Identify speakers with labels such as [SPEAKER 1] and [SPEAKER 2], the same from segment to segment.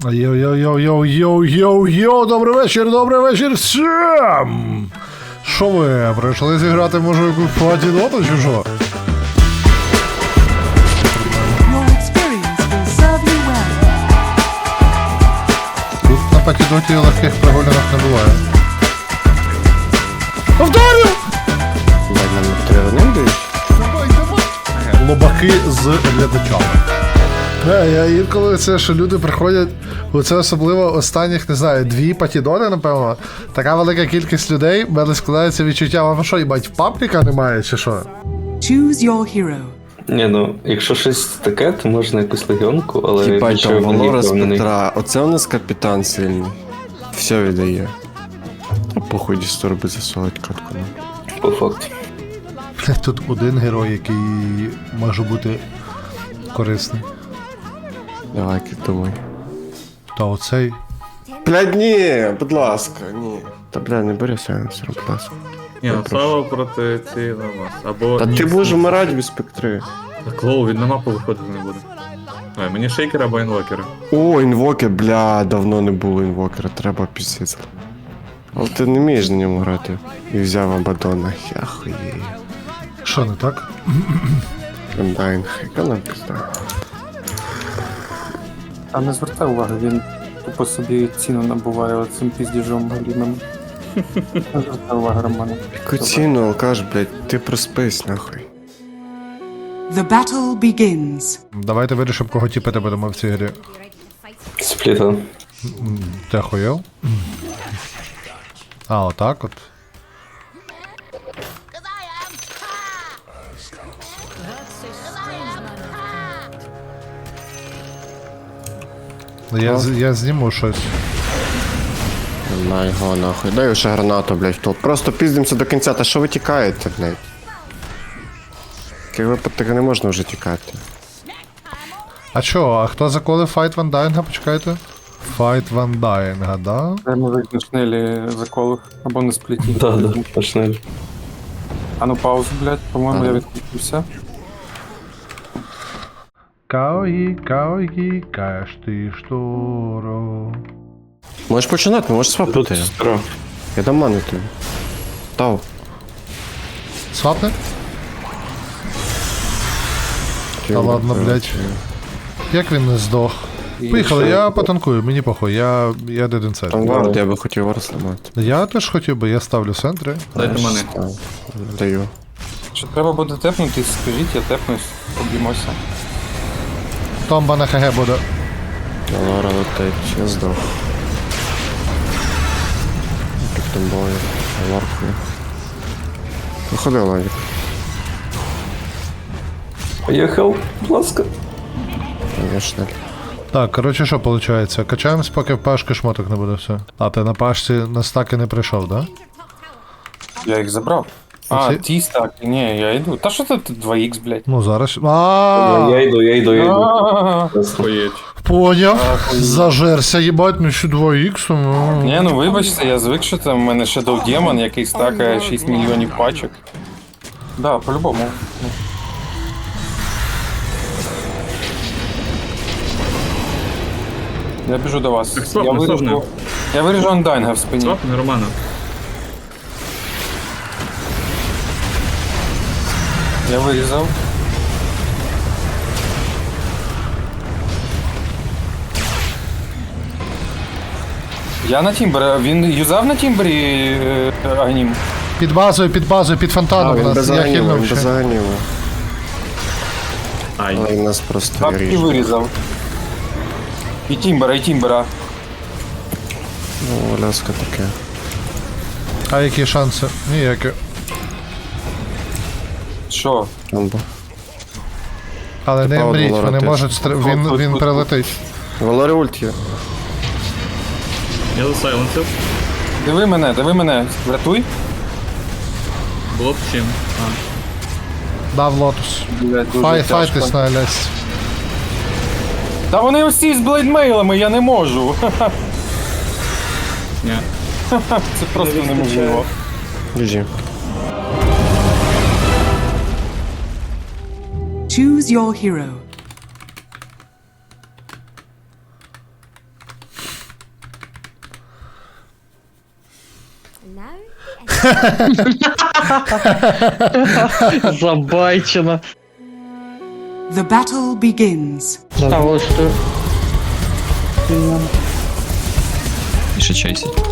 [SPEAKER 1] Йоу-йоу-йоу-йоу-йоу-йоу, добрий вечір всім! Що ви, прийшли зіграти, може, якусь платіноту чи що?
[SPEAKER 2] Your experience will serve you well.
[SPEAKER 1] Тут на патідоті легких прогулянок не буває. Повторю! Лобаки з глядачами. Я інколи це, що люди приходять, оце особливо останніх, не знаю, 2 патідони, напевно. Така велика кількість людей, в мене складається відчуття, вам що, їбать, пабліка немає, чи що?
[SPEAKER 2] Choose your hero.
[SPEAKER 3] Ні, ну, якщо щось таке, то можна якусь легіонку, але
[SPEAKER 4] Їбать,
[SPEAKER 3] нічого
[SPEAKER 4] там
[SPEAKER 3] в ній
[SPEAKER 4] Валора з
[SPEAKER 3] впевнений.
[SPEAKER 4] Петра. Оце у нас капітан сильний. Все віддає. А похуй дісторби засовують катку.
[SPEAKER 3] По факту.
[SPEAKER 1] Тут один герой, який може бути корисний.
[SPEAKER 4] Давай, думай.
[SPEAKER 1] Та оцей.
[SPEAKER 4] Блядь, ні, будь ласка, ні. Та бля, не бери сенсор, будь ласка.
[SPEAKER 5] Ні, ну Сава проти цієї на вас. Або
[SPEAKER 4] Та ти будеш вмирати без спектри.
[SPEAKER 5] Так лоу, він на мапу виходити не буде. Ой, мені шейкери або інвокери.
[SPEAKER 4] О, інвокер, бля, давно не було інвокера, треба пісець. Але ти не вмієш на ньому грати. І взяв Абадона, я хуєю.
[SPEAKER 1] Що не так?
[SPEAKER 4] Гандайн, яка нам пізда.
[SPEAKER 6] А не звертай уваги, він тупо собі ціну набуває оцим піздіжом галімим. Не звертай уваги, Романе.
[SPEAKER 4] Яку ціну, алкаш, блядь, ти проспись, нахуй.
[SPEAKER 2] The battle begins.
[SPEAKER 1] Давайте вирішимо, кого тіпити будемо в цій грі.
[SPEAKER 3] Спліта.
[SPEAKER 1] Ти охуєв? А, отак от. Я зніму щось.
[SPEAKER 4] На його нахуй. Дай ще гранату, блядь, в топ. Просто піздимося до кінця, та що ви тікаєте, блядь? Таких випадків не можна вже тікати.
[SPEAKER 1] А чо, а хто заколив файт Ван Дайнга, почекайте? Файт Ван Дайнга, да?
[SPEAKER 6] Може на шнелі заколив або на спліті.
[SPEAKER 3] Да, почнемо.
[SPEAKER 6] А ну паузу, блядь, по-моєму, я відключився.
[SPEAKER 1] Каої, каєш ти шторо.
[SPEAKER 4] Можеш починати, можеш
[SPEAKER 3] Тут
[SPEAKER 4] свапати.
[SPEAKER 3] скоро.
[SPEAKER 4] Я дам ману тобі. Тау.
[SPEAKER 1] Свапне? Та ладно, блядь. Як він не здох? Поїхали, я потанкую, мені похуй, я деденцет.
[SPEAKER 4] Там вард, я би хотів вард сламати.
[SPEAKER 1] Я теж хотів би, я ставлю центри.
[SPEAKER 5] Дайте мене.
[SPEAKER 4] Даю.
[SPEAKER 6] Що треба буде тепнутись, скажіть, я тепнусь, поб'ємося.
[SPEAKER 1] Томба на ХГ буде.
[SPEAKER 4] Лора летить, я здох. Під томбою, варкою. Виходи, Ладік.
[SPEAKER 3] Поїхав, будь ласка.
[SPEAKER 4] Конечно.
[SPEAKER 1] Так, коротше, що виходить? Качаємось, поки в пашки шмоток не буде все. А ти на пашці на стаки не прийшов, да?
[SPEAKER 6] Я їх забрав. А,
[SPEAKER 1] Оці?
[SPEAKER 6] ті стаки, ні, я йду. Та що це 2х, блядь?
[SPEAKER 1] Ну зараз.
[SPEAKER 3] Я йду.
[SPEAKER 5] Хоєть.
[SPEAKER 1] Поняв. Зажерся, їбать, ну що 2х.
[SPEAKER 6] Ні, ну вибачте, я звик, що там в мене Shadow Demon, який стакає 6 мільйонів пачок. Да, по-любому. Я біжу до вас.
[SPEAKER 5] Так, стоп, не сложно.
[SPEAKER 6] Я виріжу Андайнга в спині.
[SPEAKER 5] Стоп, не Романа.
[SPEAKER 6] Я вирізав. Я на Тімбері. Він юзав на Тімбері Агнім?
[SPEAKER 1] Під базою, під фонтаном у
[SPEAKER 4] Він без
[SPEAKER 1] нас. Я
[SPEAKER 4] аніма,
[SPEAKER 1] хильнув
[SPEAKER 4] він без
[SPEAKER 1] ще.
[SPEAKER 4] аніма.
[SPEAKER 5] Ай.
[SPEAKER 4] Але він нас просто
[SPEAKER 6] Так і
[SPEAKER 4] ріже.
[SPEAKER 6] вирізав. І Тімбера.
[SPEAKER 4] Ну, ляска таке.
[SPEAKER 1] А які шанси? Ніякі.
[SPEAKER 6] Що?
[SPEAKER 4] Амбо.
[SPEAKER 1] Але не
[SPEAKER 4] Типа,
[SPEAKER 1] мріть,
[SPEAKER 4] Валора
[SPEAKER 1] вони
[SPEAKER 4] теж.
[SPEAKER 1] можуть він прилетить.
[SPEAKER 4] Валорі ульт є.
[SPEAKER 5] Я засайленсив.
[SPEAKER 6] Диви мене. Врятуй.
[SPEAKER 5] Було б чим.
[SPEAKER 1] Дав лотус.
[SPEAKER 6] Блядь, дуже
[SPEAKER 1] Файтись
[SPEAKER 6] тяжко.
[SPEAKER 1] на Лясь.
[SPEAKER 6] Та вони усі з блейдмейлами, я не можу.
[SPEAKER 5] Ні.
[SPEAKER 6] Це просто неможливо.
[SPEAKER 4] GG.
[SPEAKER 2] Choose your hero.
[SPEAKER 7] Забайчено.
[SPEAKER 2] The battle begins.
[SPEAKER 7] А ось тут.
[SPEAKER 8] І ще чейсить.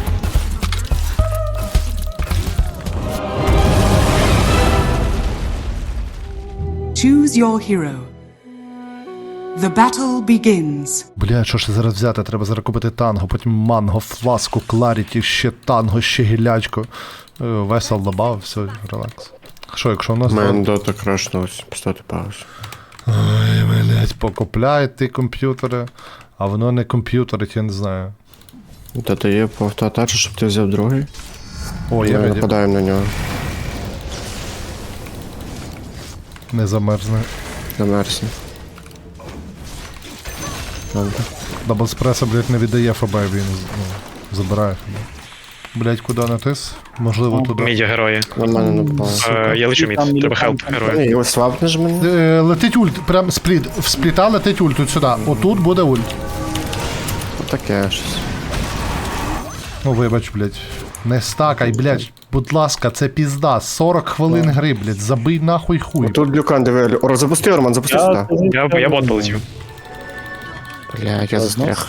[SPEAKER 2] Choose your hero. The battle begins.
[SPEAKER 1] Бля, що ж зараз взяти? Треба зараз купити танго, потім манго, фласку, кларіті, ще танго, ще гілячку. Весел добав, все, релакс. Що, якщо в нас...
[SPEAKER 4] У мене дота крашнулась, поставте паузу.
[SPEAKER 1] Ой, блядь, покупляють ті комп'ютери, а воно не комп'ютерить, я не знаю.
[SPEAKER 4] Дота є по автоатачу, щоб ти взяв другий.
[SPEAKER 1] О, я
[SPEAKER 4] Ми
[SPEAKER 1] раді.
[SPEAKER 4] нападаємо на нього.
[SPEAKER 1] Не замерзне.
[SPEAKER 4] Замерзне. Добре.
[SPEAKER 1] Даблспреса, блядь, не віддає ФБ, він забирає ФБ. Блядь, куди натис? Можливо, туди.
[SPEAKER 9] Мідя герої.
[SPEAKER 4] На мене напало.
[SPEAKER 9] Я лечу мід, треба хелп герої.
[SPEAKER 4] Ні, ось слабнеш мене.
[SPEAKER 1] Летить ульт, прям спліт. В спліта летить ульт тут сюди. Отут буде ульт.
[SPEAKER 4] Таке щось.
[SPEAKER 1] Ну вибач, блядь. Не стакай, блядь. Будь ласка, це пізда. 40 хвилин гри, блядь. Забий нахуй хуй.
[SPEAKER 4] Тут люкан диви. Запусти, Роман, запусти сюди.
[SPEAKER 9] Я бот полетів.
[SPEAKER 4] Блядь, я застряг.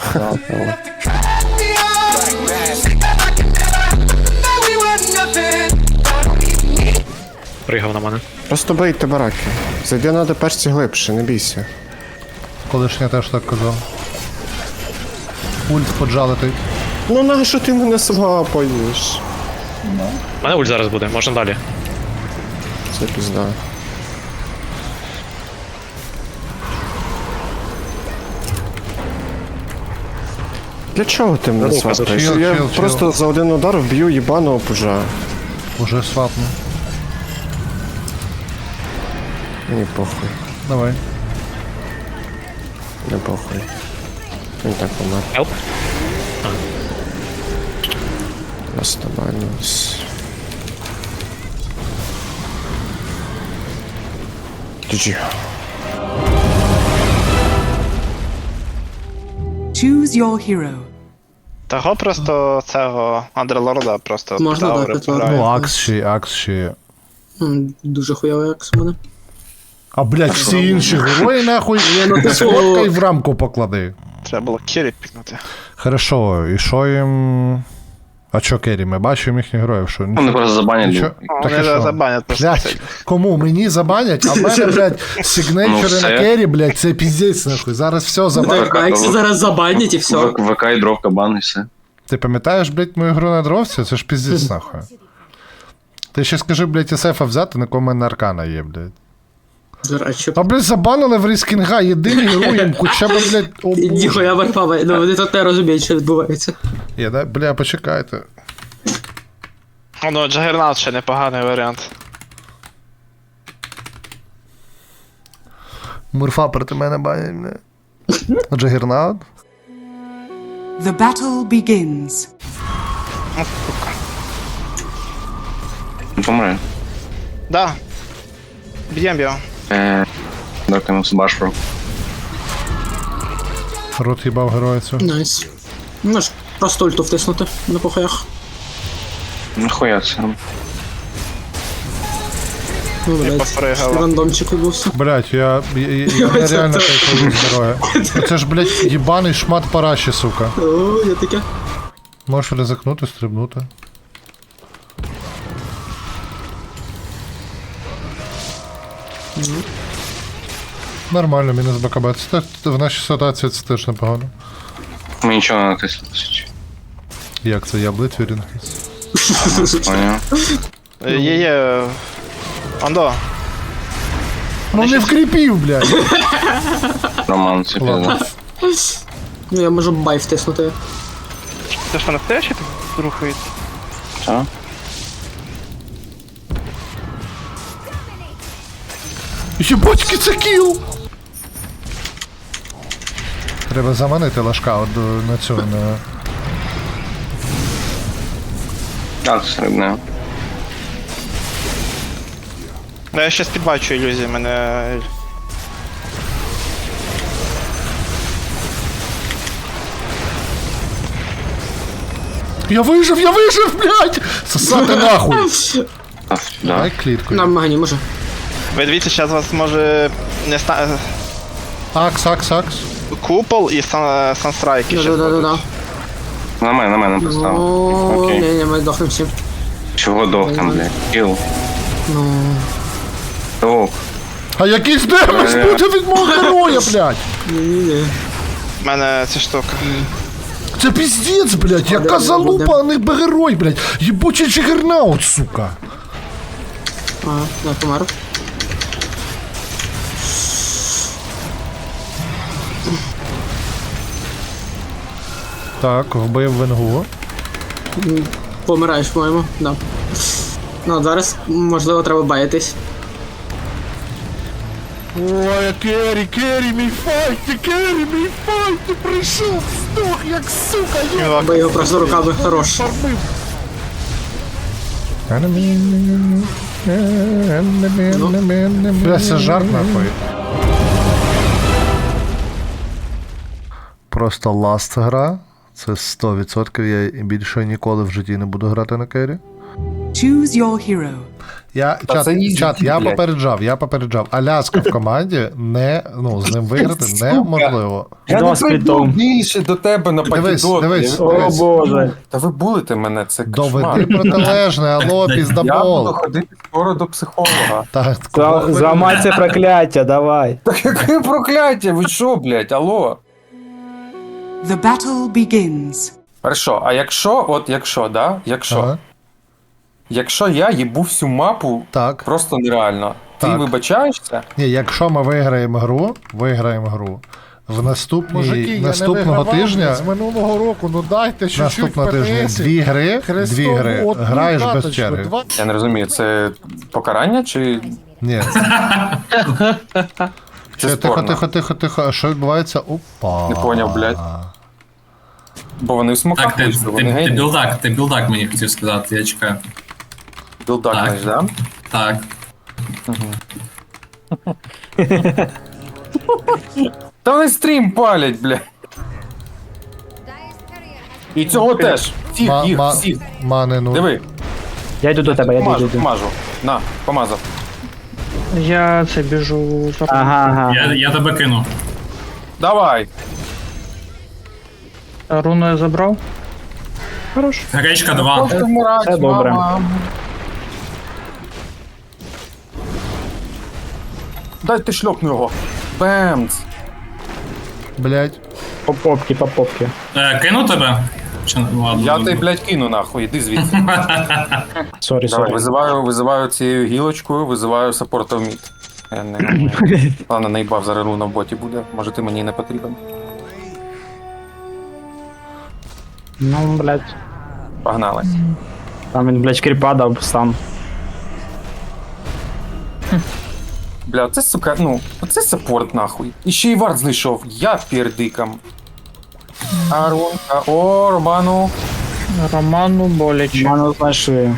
[SPEAKER 9] Пригав на мене.
[SPEAKER 4] Просто бийте бараки. Зайди на перші глибше, не бійся.
[SPEAKER 1] Колишня теж так казав. Ульт поджалитий.
[SPEAKER 4] Ну нащо ти мене слапаєш?
[SPEAKER 9] У мене ульт зараз буде, можна далі.
[SPEAKER 4] Це пізда. Для чого ти мене
[SPEAKER 9] Рука,
[SPEAKER 4] свапаєш?
[SPEAKER 1] чил,
[SPEAKER 4] Я
[SPEAKER 1] чил,
[SPEAKER 4] просто за один удар вб'ю їбаного пужа.
[SPEAKER 1] Уже свапну.
[SPEAKER 4] Мені похуй,
[SPEAKER 1] Давай.
[SPEAKER 4] не похуй. Він так помер.
[SPEAKER 9] Хелп.
[SPEAKER 4] Оставались. GG.
[SPEAKER 2] Choose your hero.
[SPEAKER 10] Того просто цього Андерлорда просто
[SPEAKER 7] Можна
[SPEAKER 10] Таури
[SPEAKER 7] дати
[SPEAKER 10] пограє.
[SPEAKER 1] Ну, акс ще є.
[SPEAKER 7] Дуже хуйовий акс у мене.
[SPEAKER 1] А, блядь, всі інші герої, нахуй,
[SPEAKER 7] ну, типу-
[SPEAKER 1] сфоткай в рамку поклади.
[SPEAKER 10] Треба було Кірі пікнути.
[SPEAKER 1] Хорошо, і що їм... А чо Керрі? Ми бачимо їхніх героїв, що?
[SPEAKER 3] Вони просто забанять.
[SPEAKER 1] Нічого? Так і
[SPEAKER 10] Вони
[SPEAKER 1] що?
[SPEAKER 10] забанять просто.
[SPEAKER 1] Блядь, кому? Мені забанять? А в мене, блядь,
[SPEAKER 3] Ну,
[SPEAKER 1] сигнейчери
[SPEAKER 3] все.
[SPEAKER 1] на Керрі, блядь, це піздець, нахуй. Зараз все забанять.
[SPEAKER 3] Так,
[SPEAKER 7] Акси зараз забанять і все.
[SPEAKER 3] ВК і дровка бан і все.
[SPEAKER 1] Ти пам'ятаєш, блядь, мою гру на дровці? Це ж піздець, нахуй. Ти ще скажи, блядь, СФ взяти, на кого в мене аркана є, блядь.
[SPEAKER 7] А що?
[SPEAKER 1] А, блядь, забанили в Ріскінга, єдиний герой, хоча б, блядь, о, Боже.
[SPEAKER 7] Ніхуя варпава, ну вони тут не розуміють, що відбувається.
[SPEAKER 1] Є, да? Бля, почекайте.
[SPEAKER 10] Ну, Джагернаут ще непоганий варіант.
[SPEAKER 1] Мурфа проти мене банять, бля. Джагернаут?
[SPEAKER 2] The battle begins.
[SPEAKER 3] Не помре.
[SPEAKER 10] Да. Б'єм його.
[SPEAKER 3] Дровка йому баш про.
[SPEAKER 1] Рот їбав героя цього.
[SPEAKER 7] Найс. Ну ж, просто ульту втиснути на похаях.
[SPEAKER 3] Нахуя це?
[SPEAKER 7] Ну, блядь,
[SPEAKER 10] попригала.
[SPEAKER 7] рандомчик відбувся.
[SPEAKER 1] Блять, я нереально кайфую з героя. Це ж, блять, їбаний шмат параші, сука.
[SPEAKER 7] О, я таке.
[SPEAKER 1] Можеш ризикнути, стрибнути. Нормально, мінус БКБ. Це в нашій ситуації це теж непогано.
[SPEAKER 3] Ми нічого не натисли, по суті.
[SPEAKER 1] Як це, я блитвірінг?
[SPEAKER 3] Поняв.
[SPEAKER 10] Є. Андо.
[SPEAKER 1] Ну не вкріпів, блядь.
[SPEAKER 3] Роман, це
[SPEAKER 1] Ладно.
[SPEAKER 3] пізно.
[SPEAKER 7] Ну я можу бай втиснути.
[SPEAKER 10] Це що настоящий тут рухається?
[SPEAKER 3] Що?
[SPEAKER 1] Єбачки, це кіл! Треба заманити лашка от на цю, на...
[SPEAKER 3] А, це середне.
[SPEAKER 10] Ну, я щас підбачу ілюзії, мене.
[SPEAKER 1] Я вижив, блядь! Сосати нахуй! Давай клітку.
[SPEAKER 7] На магані, може.
[SPEAKER 10] Ви дивіться, зараз вас може не
[SPEAKER 1] Акс.
[SPEAKER 10] купол і санстрайки ще.
[SPEAKER 7] Да.
[SPEAKER 3] На мене поставив.
[SPEAKER 7] О,
[SPEAKER 3] Окей.
[SPEAKER 7] ні, ми дохнем всі.
[SPEAKER 3] Чого там, блядь? Кіл.
[SPEAKER 7] Ну,
[SPEAKER 3] Ок.
[SPEAKER 1] А якийсь демедж буде від мого героя, блядь!
[SPEAKER 7] ні.
[SPEAKER 10] У мене ця штука.
[SPEAKER 1] Це піздець, блядь, яка залупа, а не герой, блядь! Єбучий Джигернаут, сука!
[SPEAKER 7] Я помер.
[SPEAKER 1] Так, вбив Венгу.
[SPEAKER 7] Помираєш, по-моєму, да. Ну, зараз, можливо, треба баїтись.
[SPEAKER 1] Ой, Керрі, мій файт, ти прийшов, здох, як сука,
[SPEAKER 7] Бо його просто руками хорош.
[SPEAKER 1] Бля, це жарт нахуй. Просто ласт гра. Це 100%, я більше ніколи в житті не буду грати на Керрі.
[SPEAKER 2] Choose your hero.
[SPEAKER 1] Чат, я попереджав. Аляска в команді з ним виграти неможливо.
[SPEAKER 6] Я не прийду більше до тебе на патідот.
[SPEAKER 1] Дивись.
[SPEAKER 6] О боже. Та ви булите мене, це кошмар.
[SPEAKER 1] Доведи протилежне, алло,
[SPEAKER 6] Я буду
[SPEAKER 1] піздабол.
[SPEAKER 6] ходити скоро до психолога.
[SPEAKER 1] Так,
[SPEAKER 11] Зламай це прокляття, давай.
[SPEAKER 6] Так яке прокляття, ви що, блядь, алло?
[SPEAKER 2] The battle begins.
[SPEAKER 6] Хорошо, а якщо,
[SPEAKER 1] ага.
[SPEAKER 6] якщо я їбу всю мапу,
[SPEAKER 1] Так.
[SPEAKER 6] просто нереально. Ти
[SPEAKER 1] Так.
[SPEAKER 6] вибачаєшся?
[SPEAKER 1] Ні, якщо ми виграємо гру, в наступного тижня,
[SPEAKER 12] з минулого року, ну дайте чуть-чуть
[SPEAKER 1] наступного тижня дві гри, граєш без черги.
[SPEAKER 6] Я не розумію, це покарання чи
[SPEAKER 1] Ні.
[SPEAKER 6] це
[SPEAKER 1] Тихо. А що відбувається? Опа.
[SPEAKER 6] Не поняв, блядь. Бо вони в смоках вийшли, вони гені.
[SPEAKER 5] Ти білдак мені хотів сказати, я чекаю.
[SPEAKER 6] Білдак,
[SPEAKER 5] Так.
[SPEAKER 6] знаєш, да?
[SPEAKER 5] Так.
[SPEAKER 6] Та вони стрім палять, бля. І цього теж. Всіх.
[SPEAKER 1] Мани, ну.
[SPEAKER 6] Диви,
[SPEAKER 11] Я йду до тебе,
[SPEAKER 6] помажу. На, помазав.
[SPEAKER 9] Я це біжу за
[SPEAKER 11] Ага.
[SPEAKER 5] Я тебе кину.
[SPEAKER 6] Давай.
[SPEAKER 9] руну я забрав.
[SPEAKER 5] Гречка 2.
[SPEAKER 11] Це добре.
[SPEAKER 6] Дайте шльопну його. Бемц.
[SPEAKER 1] Блять.
[SPEAKER 11] По попки.
[SPEAKER 5] Кину тебе? Чи... Ладно,
[SPEAKER 6] Я
[SPEAKER 5] ладно.
[SPEAKER 6] тебе, блядь, кину нахуй, іди звідси.
[SPEAKER 11] Сорі.
[SPEAKER 6] Давай, визиваю цією гілочкою, визиваю саппорта в мід. Я не... Ладно, наїбав, зараз руна в боті буде. Може ти мені не потрібен.
[SPEAKER 11] Ну, блядь.
[SPEAKER 6] Погнали.
[SPEAKER 11] Там він, блядь, кріпа дав сам.
[SPEAKER 6] Бля, це, сука, оце саппорт нахуй. І ще й вард знайшов. Я пердикам. Арунка, о, Роману.
[SPEAKER 9] Роману боляче.
[SPEAKER 11] Ману знайшли.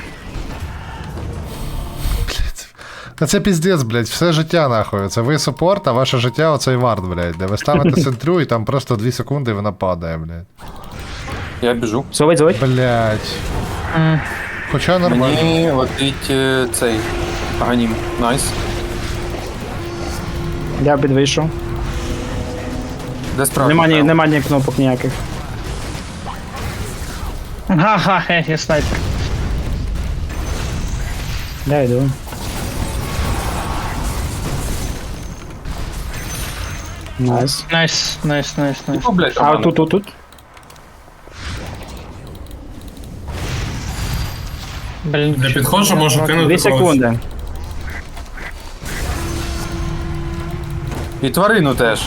[SPEAKER 1] Та це піздець, блядь, все життя нахуй. Це ви супорт, а ваше життя оцей вард, блядь. Де ви ставите центрю і там просто 2 секунди і вона падає, блядь.
[SPEAKER 6] Я біжу.
[SPEAKER 11] Зовить.
[SPEAKER 1] Блядь. Хоча нормально.
[SPEAKER 6] Мені летить цей аганім. Найс.
[SPEAKER 11] Я підвийшов.
[SPEAKER 6] Де справді?
[SPEAKER 11] Нема ні кнопок ніяких.
[SPEAKER 9] Ага, я снайпер.
[SPEAKER 11] Я йду. Найс.
[SPEAKER 9] Найс.
[SPEAKER 6] О, блядь,
[SPEAKER 11] А
[SPEAKER 6] Роману.
[SPEAKER 11] тут.
[SPEAKER 9] Блін,
[SPEAKER 5] Я підходжу, можу кинути
[SPEAKER 11] 2 секунди.
[SPEAKER 6] І тварину теж.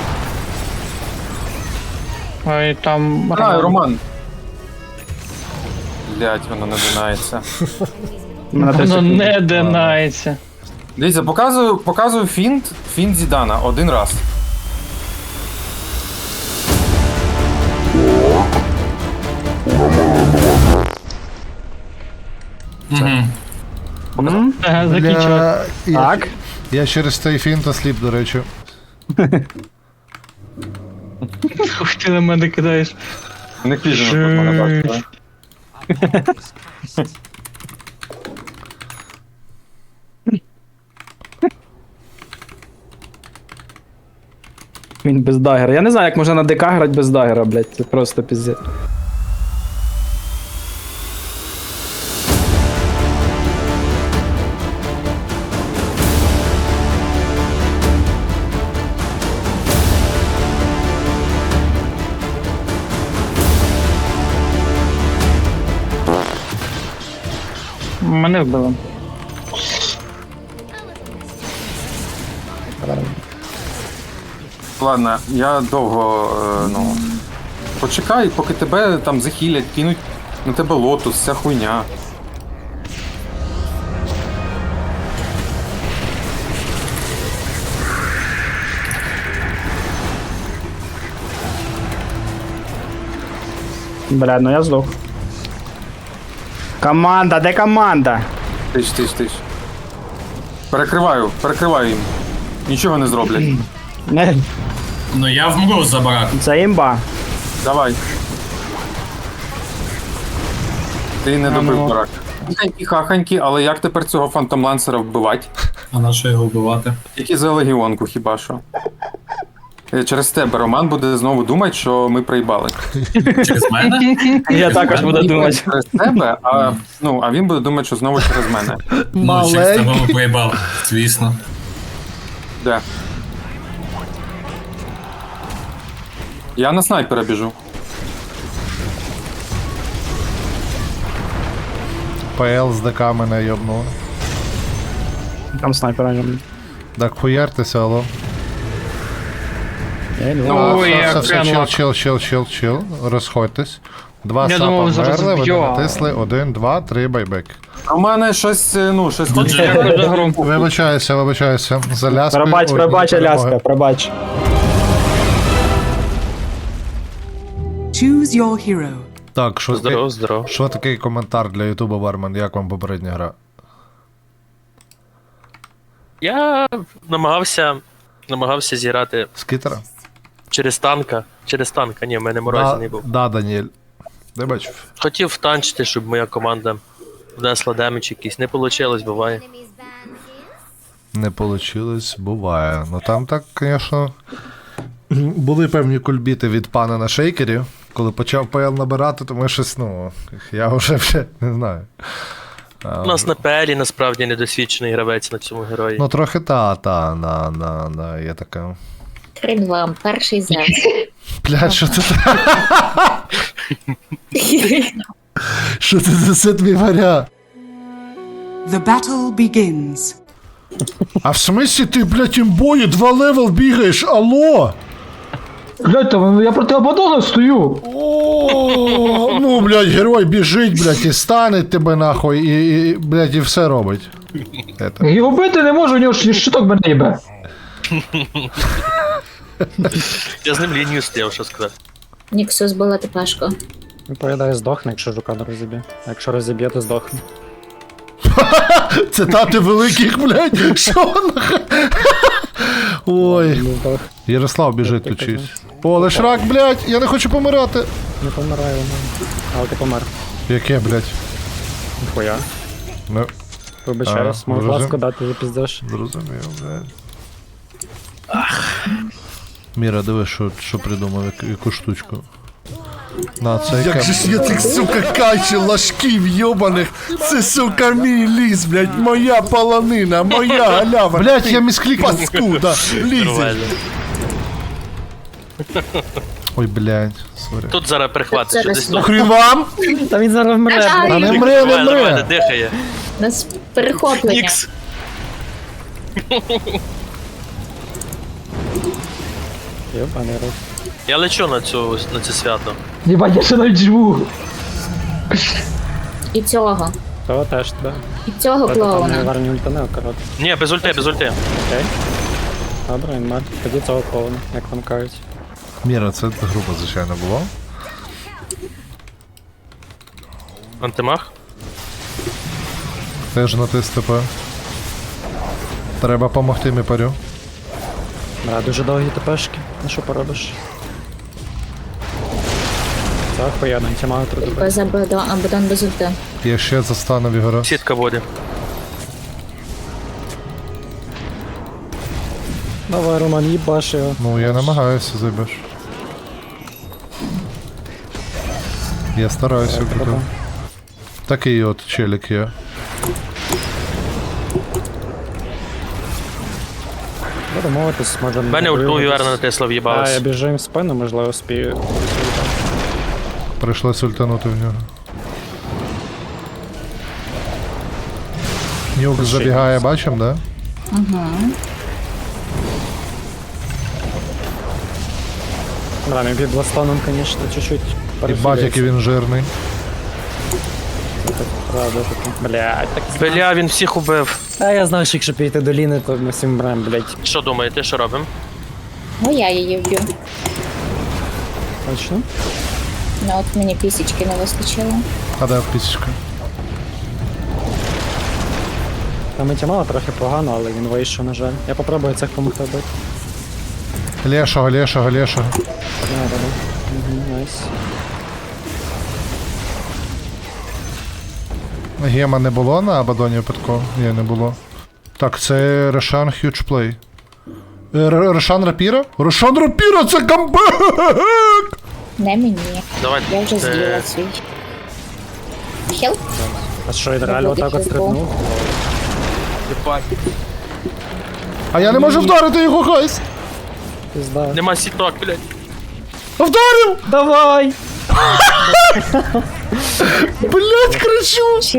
[SPEAKER 9] ой, там
[SPEAKER 6] А, Роман. Блядь, воно не динається.
[SPEAKER 9] воно не динається.
[SPEAKER 6] Дивіться, показую фінт Зідана один раз.
[SPEAKER 9] Ага, закінчилось.
[SPEAKER 1] Бля,
[SPEAKER 11] Так.
[SPEAKER 1] Я через цей фінт осліп, до речі.
[SPEAKER 9] Ух, ти на мене кидаєш.
[SPEAKER 6] Не пізно тут мене бачите.
[SPEAKER 11] Він без дагера. Я не знаю, як можна на ДК грати без дагера, блядь. Це просто піздець.
[SPEAKER 9] Мене вбили.
[SPEAKER 6] Ладно, я довго, ну. Почекай, поки тебе там захилять, кинуть на тебе лотус, вся хуйня.
[SPEAKER 11] Блядь, ну я здох. Команда, де команда?
[SPEAKER 6] Тиш. Перекриваю їм. Нічого не зроблять.
[SPEAKER 11] Не,
[SPEAKER 5] Ну я вмру за барак.
[SPEAKER 11] це імба.
[SPEAKER 6] Давай. Ти не добив барак. Хаханьки, але як тепер цього фантомлансера вбивати?
[SPEAKER 5] А на що його вбивати?
[SPEAKER 6] Тільки за легіонку хіба що. Через тебе Роман буде знову думати, що ми проїбали.
[SPEAKER 5] Через мене?
[SPEAKER 11] Я також буду думати.
[SPEAKER 6] Через тебе, а він буде думати, що знову через мене.
[SPEAKER 5] Ну, через тебе ми проїбали, звісно.
[SPEAKER 6] Де? Я на снайпера біжу.
[SPEAKER 1] ПЛ з ДК мене йобнув.
[SPEAKER 11] Там снайпера.
[SPEAKER 1] Так хуяртеся, алло.
[SPEAKER 11] Я йду.
[SPEAKER 9] Ой, як
[SPEAKER 1] Все,
[SPEAKER 9] Кенлок.
[SPEAKER 1] чил. Розходьтесь. Два
[SPEAKER 9] Я
[SPEAKER 1] сапа
[SPEAKER 9] думав, зараз
[SPEAKER 1] вмерли, вони
[SPEAKER 9] б'ю.
[SPEAKER 1] натисли. 1, 2, 3, байбек.
[SPEAKER 6] А в мене щось хоче.
[SPEAKER 9] Дякую за гру.
[SPEAKER 1] Вибачаюся. За ляскою.
[SPEAKER 11] Пробач, Аляска, пробач.
[SPEAKER 2] Choose your hero.
[SPEAKER 1] Так,
[SPEAKER 3] Здорово.
[SPEAKER 1] що такий коментар для Ютуба, Бармен? Як вам попередня гра?
[SPEAKER 3] Я намагався зіграти
[SPEAKER 1] Скітера?
[SPEAKER 3] через танка. Ні, в мене морозі не був.
[SPEAKER 1] Да, Даніель. Де бачив?
[SPEAKER 3] Хотів втанчити, щоб моя команда внесла демедж якийсь. Не вийшло, буває.
[SPEAKER 1] Не получилось, буває. Ну там так, звісно, були певні кульбіти від пана на шейкері. Коли почав ПЛ набирати, то ми щось, я вже не знаю.
[SPEAKER 3] У нас на ПЛі насправді недосвідчений гравець на цьому герої.
[SPEAKER 1] Ну трохи є така.
[SPEAKER 13] Хрен вам, перший Зевс.
[SPEAKER 1] Блядь, що це? Що це за сет варя?
[SPEAKER 2] The battle begins.
[SPEAKER 1] А в смислі ти, блядь, імбою 2 левел бігаєш, алло?
[SPEAKER 9] Блядь, там я проти Абадона стою.
[SPEAKER 1] О, ну, блядь, герой біжить, блядь, і стане тебе нахуй, і блядь, і все робить.
[SPEAKER 9] Його бити не можу, у нього щиток мене їбе.
[SPEAKER 3] Я з ним лінію стояв, що сказати.
[SPEAKER 13] Ніксус була тепешко.
[SPEAKER 11] Відповідає, здохне, якщо жука не розіб'є. А якщо розіб'є, то здохне.
[SPEAKER 1] Цитати великих, блядь, що нахуй? Ой. Ярослав біжить тут чись. О, лишрак, блядь, я не хочу помирати.
[SPEAKER 11] Не помирає вона. Але ти помер.
[SPEAKER 1] Яке, блядь?
[SPEAKER 11] Ніхуя.
[SPEAKER 1] Ну,
[SPEAKER 11] Вибачаюсь, можу
[SPEAKER 1] зрозумів.
[SPEAKER 11] ласку дати, запіздеш.
[SPEAKER 1] зрозумів, блядь. Міра, диви, що придумав, яку штучку. На, це
[SPEAKER 12] Як же ж я цих, сука, каче ложків йобаних. Це, сука, мій ліс, блядь, моя полонина, моя галява.
[SPEAKER 1] Блядь, я місклікнув.
[SPEAKER 12] Паскуда, лізеш.
[SPEAKER 3] Нормально.
[SPEAKER 1] Ой, блядь, сорі.
[SPEAKER 3] Тут зараз перехватить, що десь тут.
[SPEAKER 1] Хрін вам?
[SPEAKER 11] Та він зараз вмре.
[SPEAKER 1] А не мре, не
[SPEAKER 3] Нормально,
[SPEAKER 1] мре.
[SPEAKER 3] дихає.
[SPEAKER 13] У нас перехоплення.
[SPEAKER 3] Нікс.
[SPEAKER 11] Йобаний рот.
[SPEAKER 3] Я лечу на це свято.
[SPEAKER 9] Єбать, я ще навіть живу.
[SPEAKER 13] І цього.
[SPEAKER 11] Того теж, да.
[SPEAKER 13] І цього
[SPEAKER 11] Там не
[SPEAKER 13] клоуна.
[SPEAKER 11] варні ультане, коротко.
[SPEAKER 3] Ні, без ульти.
[SPEAKER 11] Окей. Добре, він мер. Тоді цього клоуна, як вам кажуть.
[SPEAKER 1] Міра, це група, звичайно, була.
[SPEAKER 3] Антимах.
[SPEAKER 1] Теж натис ТП. Треба помогти міпарю.
[SPEAKER 11] Да, дуже довгі тепешки. Ну що поробиш? Це охуєнно, антимагу трудно.
[SPEAKER 13] Без Абадон без ульти.
[SPEAKER 1] Я ще застану Ігора.
[SPEAKER 3] Сітка буде.
[SPEAKER 11] Давай, Роман, їбаш його.
[SPEAKER 1] Ну, я намагаюся, зайбеш. Я стараюся укрити. Такий от челік є.
[SPEAKER 11] Буду мовитись, може...
[SPEAKER 3] Мене ульту віверна натисла,
[SPEAKER 11] А, я
[SPEAKER 3] в'їбалась.
[SPEAKER 11] біжу їм в спину, можливо, спію.
[SPEAKER 1] Прийшлось ультанути в нього. Нюк забігає, бачим, да?
[SPEAKER 11] Да, він під ластаном, конечно, чуть-чуть
[SPEAKER 1] І бать, який він жирний.
[SPEAKER 11] Правда, таки. Блядь, так...
[SPEAKER 3] Бля, він всіх убив.
[SPEAKER 11] А я знав, що якщо піти до Ліни, то ми всім брем, блядь.
[SPEAKER 3] Що думаєте, що робимо?
[SPEAKER 13] Ну я її вб'ю.
[SPEAKER 11] Точно?
[SPEAKER 13] Ну от мені пісічки не вистачило.
[SPEAKER 1] А де пісічка?
[SPEAKER 11] Там антимага трохи погано, але він вийшов, на жаль. Я попробую цих помогти бити.
[SPEAKER 1] Лешого, лешого, лешого.
[SPEAKER 11] Найс.
[SPEAKER 1] Гема не було на Абадоні випадково? Ні, не було. Так, це Рошан Хьюджплей. Рошан Рапіра? Рошан Рапіра, це камбек!
[SPEAKER 13] Не мені.
[SPEAKER 3] Давайте.
[SPEAKER 13] Я вже з'їла свій. Хелп?
[SPEAKER 11] А що, я реально отак от стрибнув?
[SPEAKER 1] А я не можу вдарити його, гайс!
[SPEAKER 11] Пізда.
[SPEAKER 3] Нема сіток, блядь.
[SPEAKER 1] Вдарив!
[SPEAKER 11] Давай!
[SPEAKER 1] Блять, кричу!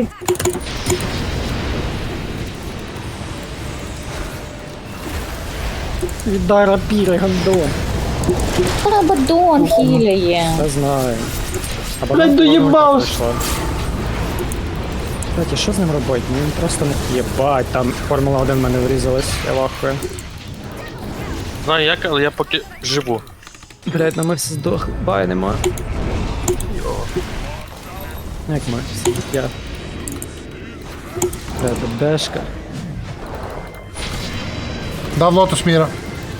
[SPEAKER 11] Віддай рапіри, гандон.
[SPEAKER 13] Абадон хіляє.
[SPEAKER 11] Не знаю.
[SPEAKER 9] Блядь, доїбав!
[SPEAKER 11] Кстати, що з ним робити? Ну він просто не єбать, там Формула 1 в мене врізалась, я вахую.
[SPEAKER 3] Знаю як, але я поки живу.
[SPEAKER 11] Блять, ну ми всі здохли, бай нема. Як ми? Я. Бешка.
[SPEAKER 1] Дав лотос міра.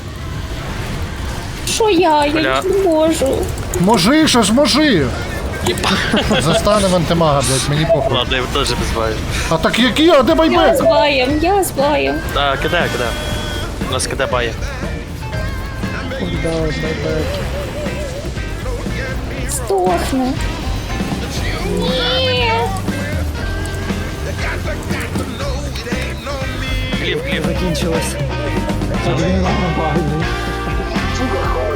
[SPEAKER 13] Що я?
[SPEAKER 3] Бля.
[SPEAKER 13] Я не можу.
[SPEAKER 1] Можи, що ж можи! Застанем антимага, блять, мені похуй.
[SPEAKER 3] Ладно, я теж без баю.
[SPEAKER 1] А так які, а де
[SPEAKER 13] Я
[SPEAKER 1] байбек?
[SPEAKER 13] з баєм, я з баєм.
[SPEAKER 3] Так, кидай. У нас кидай бає.
[SPEAKER 13] Здохне. Ні.
[SPEAKER 3] Гліб.
[SPEAKER 11] Закінчилось. Це він нормальний.